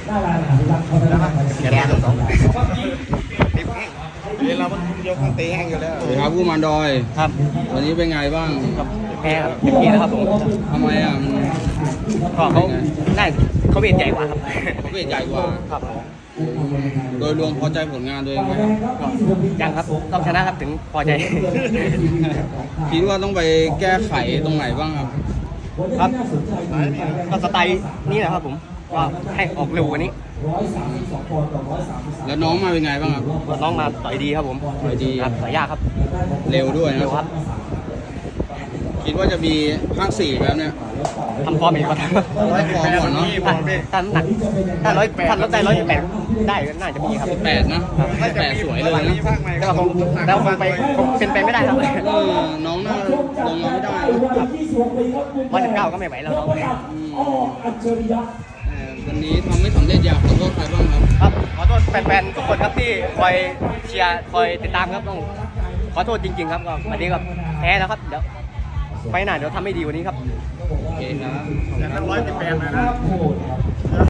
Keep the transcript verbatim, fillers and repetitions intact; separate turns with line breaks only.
แกนสอง
เดี๋ยวเรายกมันตีแห้งอยู่แล้ว
สวัสดีครับผู้มันดอย
ครับ
วันนี้เป็นไงบ้าง
ครับแพ้ครับเต็มที่แล้วครับผม
ทำไมอ่ะมัน
ก็เขาได้เขาเบียดใหญ่กว่าครับ
เขาเวทใหญ่กว่า
ครับ
โดยรวมพอใจผลงานตัวเองไหม
ก็ยังครับต้องชนะครับถึงพอใจ
คิดว่าต้องไปแก้ไขตรงไหนบ้างครับ
ครับก็สไตล์นี้แหละครับผมว่าให้ออกเร็วกว่านี้
แล้วน้องมาเป็นไงบ้างครับ
น้องมาต่อยดีครับผม
ต่อยดี
ครับต่อยยากครับ
เร็วด้วย
เร็
นะ
วครับ
คิดว่าจะมีภาคสี่แบบเนี้ย
ทำฟอร์มอีกก่อน
ร้อยฟอร์มก่อนเนาะ
ถ้าน้ำหนักถ้าร้อยถ้าลดได้ร้อยแปดได้ก็น่าจะมีครับ
แปดนะแปดสวยเลยนะ
แต่ว่าคงแล้วคงไปคงเป็นไปไม่ได้ครับ
เออน้องน่าลงมาไม่ได้นะ
วันสิบเก้าก็ไม่ไหวแล้วน้อง
อืมเอ่อวันนี้ทำไม่สำเร็จอยากขอโทษใครบ้างครับ
ครับขอโทษแฟนๆทุกคนครับที่คอยเชียร์คอยติดตามครับต้องขอโทษจริงๆครับก็วันนี้ก็แพ้แล้วครับเดี๋ยวไปหน้าเดี๋ยวทำให้ดีกว่านี้ครับ
โอเคครับ
อย่างนั้นร้อยสิบแปดเลยนะ